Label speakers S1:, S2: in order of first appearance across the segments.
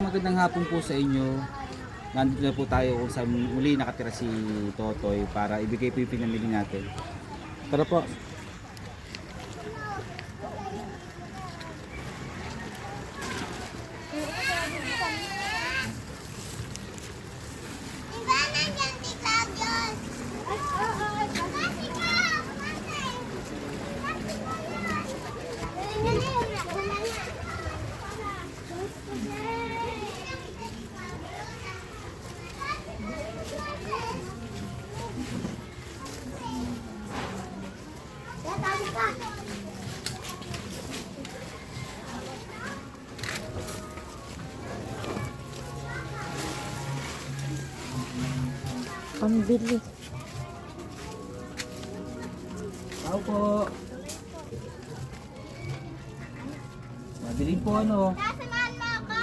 S1: magandang hapon po sa inyo. Nandito na po tayo kung saan muli nakatira si Totoy para ibigay po yung pinamili natin. Tara po.
S2: Pambili.
S1: Tao po. Mabiling po ano.
S3: Sasamahan mo ako!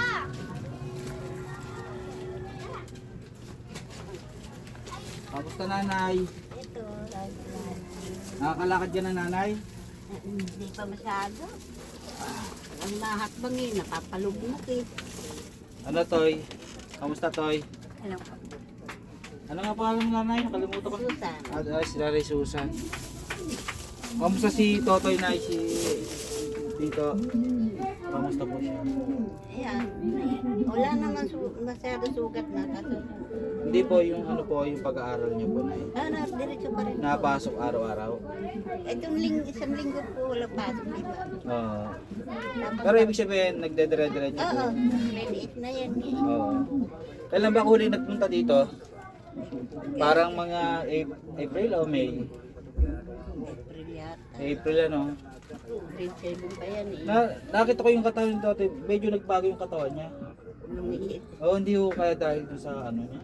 S1: Kamusta nanay?
S3: Ito,
S1: Nakakalakad ka na nanay?
S3: hindi pa masyado. Ang lahakbang eh, napapalugmok eh.
S1: Ano Toy? Kamusta Toy?
S3: Alam ko,
S1: Ano nga pangalan mo nanay? Nakalimutan ko.
S3: Susan.
S1: Sila rin Susan. Kamusta si Totoy na si Tito? Kamusta po siya?
S3: Ayan, wala naman masyado sugat na. Kaso,
S1: Hindi po yung ano po yung pag-aaral niyo po na
S3: diretso pa rin po.
S1: napasok araw-araw.
S3: Itong isang linggo po wala pasok, di ba?
S1: Oo.
S3: Tapos,
S1: Pero ibig sabihin nagdedire-diretso po.
S3: oo, maliit na yan eh.
S1: Oo. Kailan ba huli nagpunta dito? Parang mga April o May?
S3: April yata.
S1: April ano?
S3: Grade 7 pa yan eh.
S1: Nakita ko yung katawan ni Totoy, medyo nagbago yung katawan niya.
S3: Lumiit.
S1: Oo, hindi ko kaya dahil dun sa ano niya.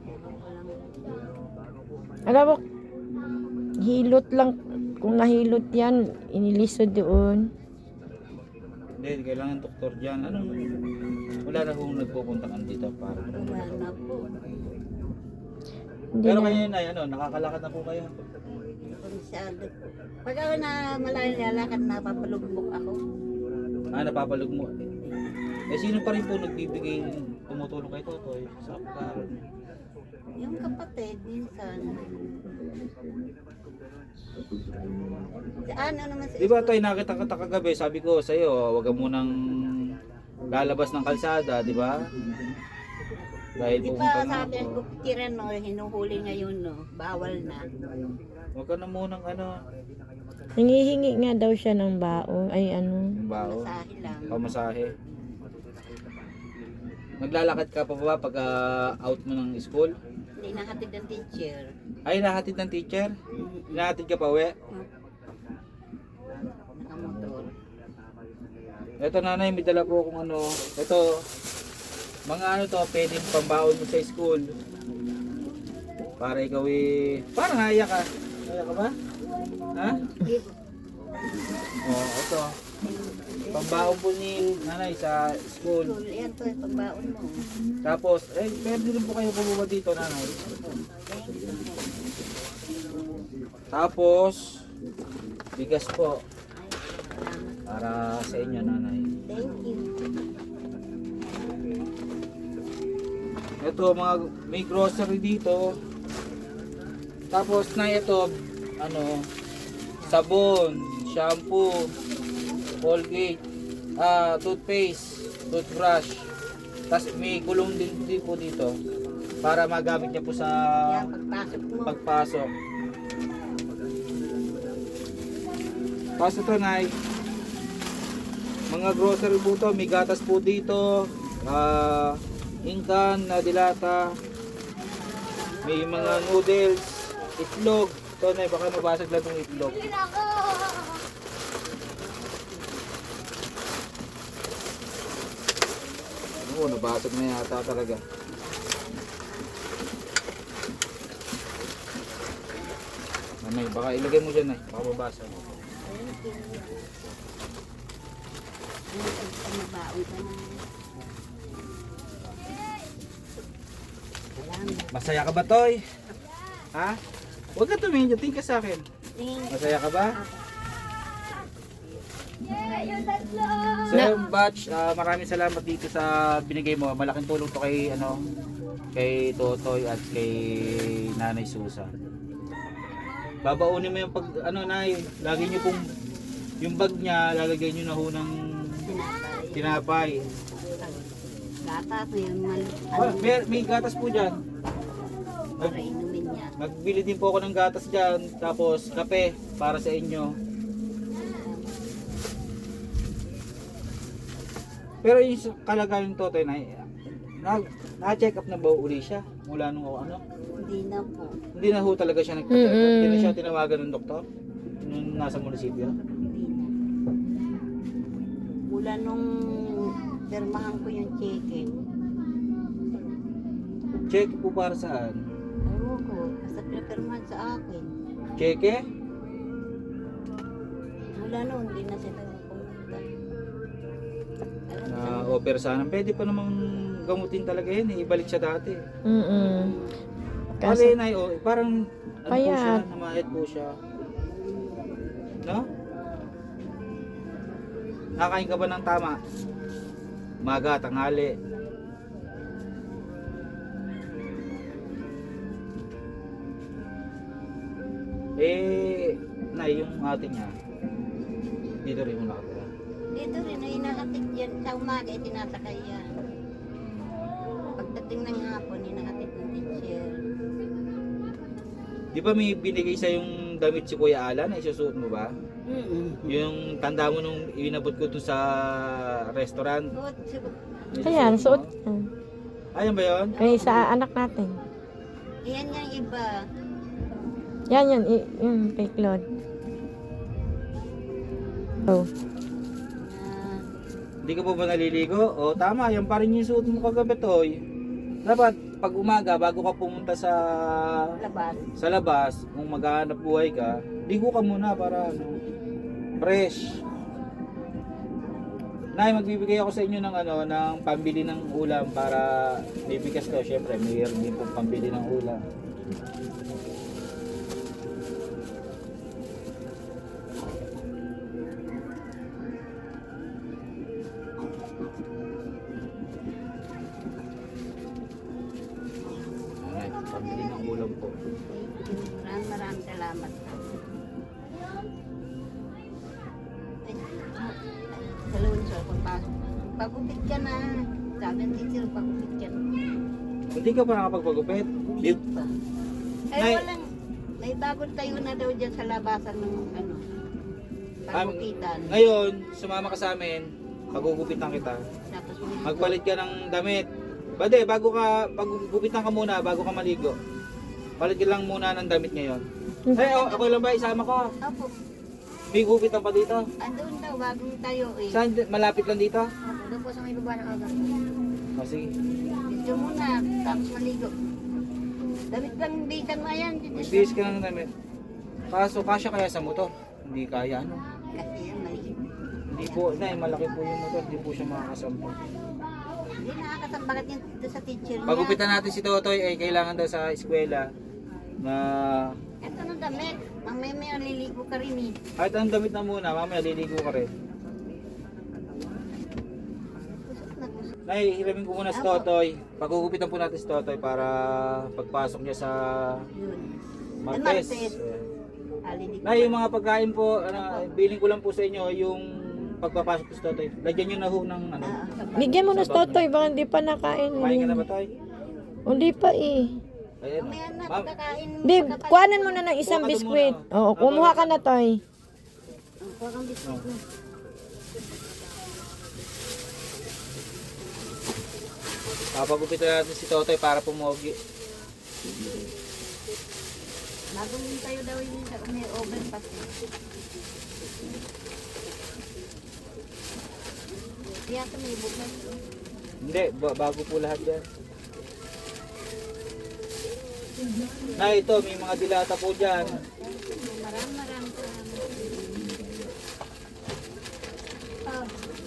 S2: Alam mo, hilot lang. Kung nahilot yan, inilisod doon.
S1: Hindi, kailangan doktor dyan. Anong, wala na kung nagpupunta ka dito para.
S3: Wala na po.
S2: Hindi
S1: Pero
S2: na.
S1: kayo na, ano, nakakalakad na po kayo.
S3: Masyado po. Pag ako na malayo lalakad, napapalugmok ako.
S1: Napapalog mo. Eh, sino pa rin po nagbibigay, tumutulong kay Totoy sa pag-aaral niya?
S3: Yung kapatid, minsan. Ano naman sa
S1: Di ba Toy, nakita kita kagabi, sabi ko sa'yo, huwag ka munang lalabas ng kalsada, di ba? Dahil
S3: Di
S1: pupunta
S3: ba
S1: na
S3: sabi
S1: ako.
S3: ko, tiran no, hinuhuli ngayon no, bawal na.
S1: Huwag ka na munang ano,
S2: Nangihingi nga daw siya ng baon. Ay ano.
S1: yung bao,
S3: Masahe lang.
S1: pamasahe. Naglalakad ka pa ba pag out mo ng school?
S3: Hindi nahatid ng teacher.
S1: Ay, nahatid ng teacher? Nahatid ka pa uwi?
S3: Nakamotor.
S1: Ito nanay, may dala po kung ano. Ito, mga ano to, pwedeng pambaon mo sa school. Para ikaw parang naiyak ka. Naiyak ka ba? Ha? Oh, ito. Pambaon po ni nanay sa school.
S3: Yan to, pagbaon mo.
S1: Tapos, pwede rin po kayo bumaba dito nanay. Tapos, bigas po. Para sa inyo nanay.
S3: Thank you.
S1: Ito mga may grocery dito. Tapos na ito ano sabon, shampoo, Colgate, toothpaste, toothbrush. Tapos may gulong din po dito para magamit niya po sa
S3: Yan, pagpasok mo.
S1: pagpasok. Tapos ito nay, mga grocery po to, may gatas po dito, ingkan na dilata, may mga noodles, itlog. Ito na, baka mabasag lang itong itlog. Oo, nabasag na yata talaga. Nanay, baka ilagay mo dyan, baka mabasag.
S3: Thank you. Magbaon ka na. Salamat.
S1: Masaya ka ba, Toy? Ha? Huwag ka tumingin dyan, tingin ka sa akin.
S3: Thank you.
S1: Masaya ka ba? Sir Batch, maraming salamat dito sa binigay mo. Malaking tulong to kay kay Totoy at kay Nanay Susan. Babaunin mo yung Nay, lagi niyo pong yung bag niya, lalagay niyo na ho ng tinapay.
S3: Gatas na yun man.
S1: May gatas po diyan.
S3: Para inumin niya.
S1: Nagbili din po ako ng gatas diyan, tapos kape para sa inyo. Pero yung kalagayan ng Totoy na-check up na ba uli siya mula nung
S3: Hindi na po.
S1: Hindi na ho talaga siya nagpa-check up. Hindi na siya tinawagan ng doktor nung nasa munisipyo.
S3: Hindi na. Mula nung pirmahan ko yung cheque.
S1: Check po para saan?
S3: Ewan ko. Basta pinapirmahan sa akin.
S1: Cheque?
S3: Mula noon, hindi na sila pumunta.
S1: Na-offer sana. Pwede pa namang gamutin talaga yan eh. Ibalik siya dati. Kasi Nay, parang po siya,
S2: Payat.
S1: namayat po siya. No? Nakain ka ba ng tama? Maga, tanghali. Nay, yung ate niya, dito rin mo nakatira.
S3: Dito rin, ay nakatid yan. Sa umaga, tinasakay yan. Pagdating ng hapon, nakatid ng teacher.
S1: Di ba may binigay sa yung damit si Kuya Alan na isusuot mo ba? Yung tanda mo nung inabot ko doon sa restaurant.
S2: Ayan, suot.
S1: Ayan ba yun?
S2: Ay, sa anak natin.
S3: Iyan yung iba.
S2: Yan, yung kay Claude. Oh.
S1: Hindi ka pa ba naliligo? O tama, yan pa rin yung suot mo kagabi, Toy. Dapat pag umaga, bago ka pumunta
S3: Labas.
S1: sa labas, kung maghahanap buhay ka, ligo ka muna para fresh. Nay, magbibigay ako sa inyo ng ng pambili ng ulam para bibigas ko. Syempre, mayroon din pong pambili ng ulam. Ay, pambili ng ulam po.
S3: Maraming salamat. Sa lunso, pagpasok. Pagupit ka na. Sabi ng teacher, pagupit ka na.
S1: Hindi ka pa nakapagpagupit?
S3: Hindi pa. Ay,
S1: Nay-
S3: walang, may bagong tayo na daw dyan sa labasan ng pagupitan.
S1: Ngayon, sumama ka sa amin, pagugupitan kita.
S3: Tapos
S1: Magpalit ka ng damit. Bade, pagugupitan ka muna, bago ka maligo. Palit ka lang muna ng damit ngayon. Hey, ako lang ba? Isama ko.
S3: Apo,
S1: May gupitan pa dito.
S3: andun daw, bagong tayo eh.
S1: Saan? Malapit lang dito?
S3: Apo, doon po sa may baba ng agang.
S1: O sige.
S3: Dito muna, tapos maligo. Damit lang bisan mo yan.
S1: Magbihis ka ng damit. Kaso, kasya kaya sa motor? Hindi kaya,
S3: Kasi yan, maliit.
S1: Hindi po, malaki po yung motor. Hindi po siya makakasampo.
S3: Hindi nakakasambagat yung dito sa teacher niya.
S1: Pagupitan natin si Totoy, kailangan daw sa eskwela na
S3: Ito ng damit. Mamaya may aliligo ka rin eh.
S1: kahit ang damit na muna, mamaya liligo ka rin.
S3: Kusot na kusot.
S1: Nay, hiramin ko muna si Totoy. Pagugupitan po natin si Totoy para pagpasok niya sa
S3: Yun.
S1: Martes.
S3: Martes. Aliligo.
S1: Nay, yung mga pagkain po, billing ko lang po sa inyo yung pagpapasok ko si Totoy. Lagyan nyo na ho ng
S2: Bigyan mo na sa Totoy, baka hindi pa nakain.
S1: Kumain ka na ba, Toy?
S2: Hindi pa eh.
S1: Ayan.
S3: Mamaya na,
S1: Ma'am,
S3: pagkakain.
S2: Babe, kuhanan mo na ng isang
S1: Kuha ka doon
S2: biskwit.
S1: muna.
S2: Oo, kumuha ka na, Toy.
S3: Kuha kang biskuit mo.
S1: papagupitan natin si Totoy para pumogi.
S3: Bagong tayo daw yun sa may overpass. Kaya ito may bukas.
S1: Hindi, bago po lahat yan. Na ito, may mga dilata po dyan.
S3: Marami salamat. Oh,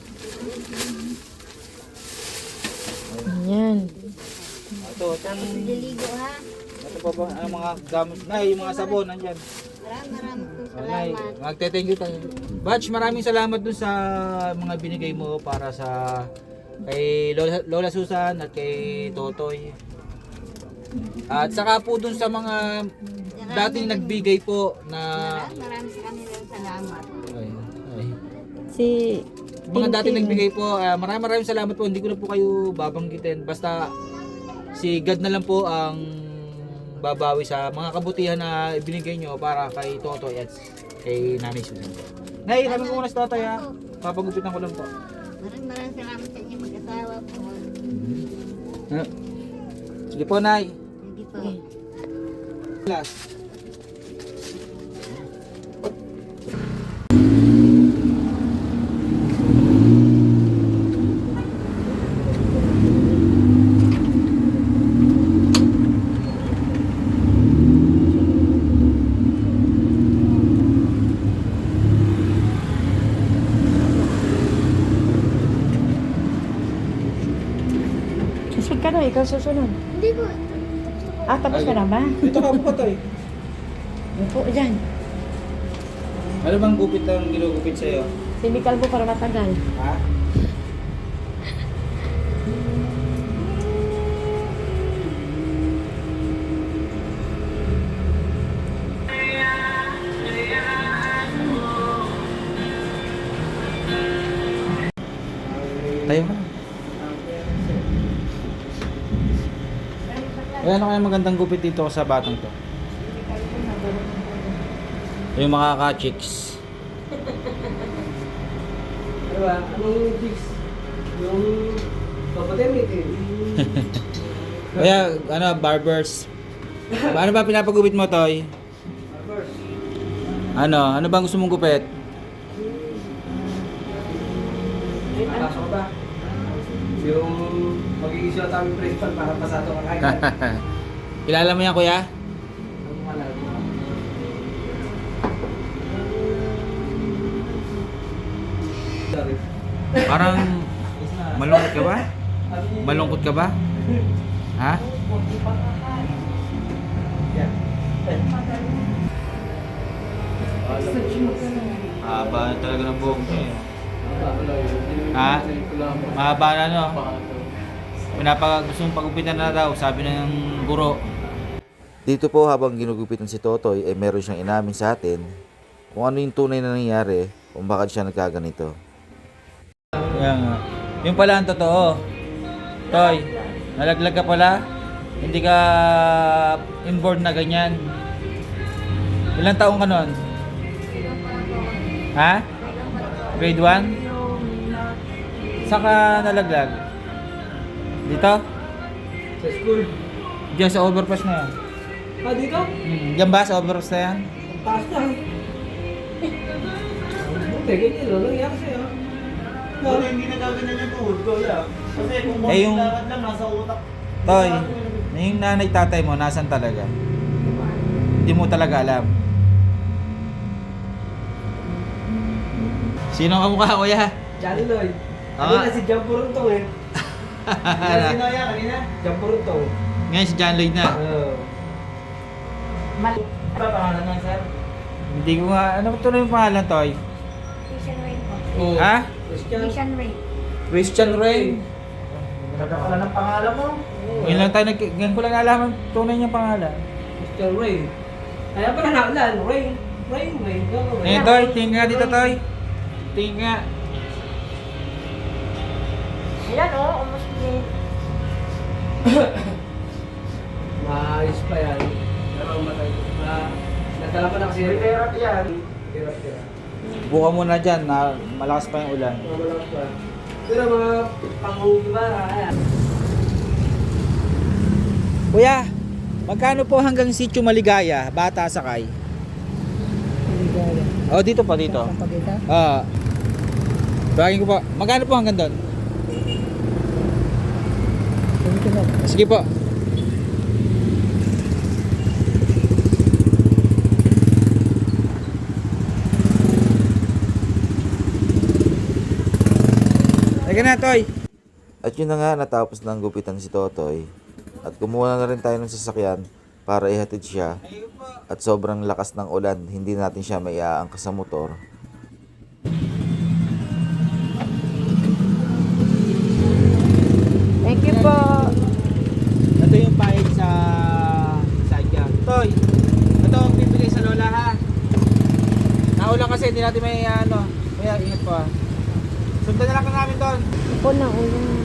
S2: Ayan.
S1: Ito,
S3: liligo ha.
S1: ito pa ba, ang mga gamit, na yung mga sabon, nandyan.
S3: Marami po
S1: Nay,
S3: salamat.
S1: magte-thank you tayo. Batch, maraming salamat dun sa mga binigay mo para sa kay Lola Susan at kay Totoy. At saka po dun sa mga dating nagbigay po na
S3: Maraming sa kanilang salamat.
S1: ay,
S2: Si
S1: mga dating
S2: Tintin.
S1: nagbigay po, maraming salamat po. Hindi ko na po kayo babanggitin. Basta si God na lang po ang babawi sa mga kabutihan na ibinigay nyo para kay Totoy at kay Nanay Susan. Nay, sabi ko muna sa Totoy ha. Papagupitan ko lang po.
S3: Maraming salamat sa inyo mag-asawa po.
S1: Sige po, Nay.
S3: Hindi po.
S1: Last.
S2: Susunod ka na, ikaw susunod.
S3: Hindi po.
S2: Ah, tapos ka na ba?
S1: Ito ka po, Toy.
S2: Upo dyan.
S1: Ano bang gupit ang ginugupit sa'yo?
S2: Simikal mo para matagal.
S1: Ha? Tayo ka. Ayan ano kaya magandang gupit dito sa batang to? Yung mga ka-chicks.
S4: Ano ba? Anong chicks? Yung papatemit eh.
S1: Kaya ano, barbers. Ano ba pinapagupit mo, Toy?
S4: First,
S1: Ano bang gusto mong gupit?
S4: nakasok ka ba? Yung magiging siya taming principal para pasado ka kagad.
S1: Kilala mo yan, kuya?
S4: Ano mo alam? Sorry.
S1: Parang malungkot ka ba? Malungkot ka ba? Ha?
S4: Yeah.
S1: Haba talaga ng buhok niya eh. Ha? Mahaba na no? Gusto mong pagupitan na daw, sabi ng guro.
S5: Dito po habang ginugupitan si Totoy ay meron siyang inamin sa atin kung ano yung tunay na nangyari kung bakit siya nagkaganito.
S1: Kaya nga. Yung pala ang totoo. Toy, nalaglag ka pala? Hindi ka inborn na ganyan? Ilang taong ka nun? Ha? Grade 1? Saan ka nalaglag? Dito?
S4: Sa school.
S1: Diyan sa overpass na yan.
S4: Dito?
S1: Diyan ba sa overpass na yan?
S4: Ang taas na. Buti, ganyan lang. Nangyari sa'yo.
S6: Wala, hindi na gaganyan yung tuhod ko, yeah. Kasi kung
S1: Eh, yung-
S6: lakad lang, nasa utak.
S1: Toy, yung nanay tatay mo, nasan talaga? Hindi mo talaga alam. Sino ang kamukha, kuya?
S4: Johnny Lloyd.
S1: Ah.
S4: Kanina si John Puruntong eh.
S6: Sino yan kanina?
S4: John Puruntong.
S1: Ngayon si John Lloyd na.
S3: Mali.
S6: Ano pangalan niya, sir?
S1: Hindi ko nga, ano ba ito na yung pangalan, Toy?
S3: Christian Ray po.
S4: Oh.
S1: Ha?
S4: Christian.
S3: Christian Ray.
S1: Christian Ray.
S6: Ganda pala ng pangalan mo.
S1: Ngayon lang tayo, ngayon ko lang alam ang tunay niyang pangalan.
S4: Christian Ray. Kaya pala nakaulan. Ray. Ray. Ray.
S1: Eh, Toy, tingin nga dito, Toy. Tingin nga.
S2: Ayan o, almost late.
S4: Maayos pa yan. Pero matay. Nagdala pa na kasi.
S6: Therapy yan.
S4: Tira.
S1: Buka muna dyan, na malakas pa yung ulan.
S4: Malakas pa. Pero mga pangugi ba? Ayan.
S1: Kuya, magkano po hanggang Sitio Maligaya, Bata Sakay? Oh, dito pa, dito. Ah. Bagay ko po. Magkano po hanggang doon? Sige po. Teka na, Toy.
S5: At yun na nga, natapos na ang gupitan si Totoy at kumuha na rin tayo ng sasakyan para ihatid siya at sobrang lakas ng ulan, hindi natin siya maiaangkas sa motor.
S2: Thank you po.
S1: Ito yung pahig sa sadya. Toy, ito ang bibigay sa lola ha. Naulan kasi hindi natin may ingat po ha. Sundan na lang namin doon.
S2: Ako na ulan.